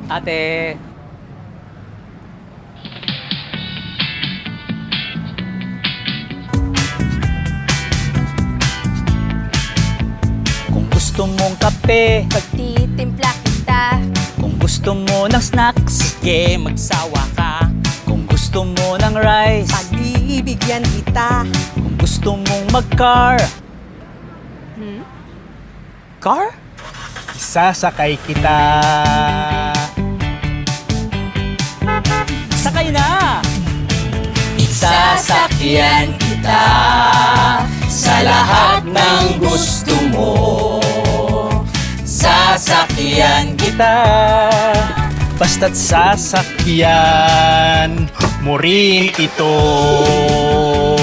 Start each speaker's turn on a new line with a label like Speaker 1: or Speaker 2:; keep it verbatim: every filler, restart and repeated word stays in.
Speaker 1: Ate. Kung gusto mong kape,
Speaker 2: Pagtitimpla kita,
Speaker 1: kung gusto mo ng snacks,
Speaker 3: Sige, magsawa ka.
Speaker 1: kung gusto mo ng rice,
Speaker 2: pagbibigyan kita.
Speaker 1: kung gusto mong mag-car. Car?
Speaker 4: Sasakay kita.
Speaker 1: Sakay na!
Speaker 3: Sasakyan kita sa lahat ng gusto mo. Sasakyan
Speaker 4: Kita, basta't sasakyan mo rin ito.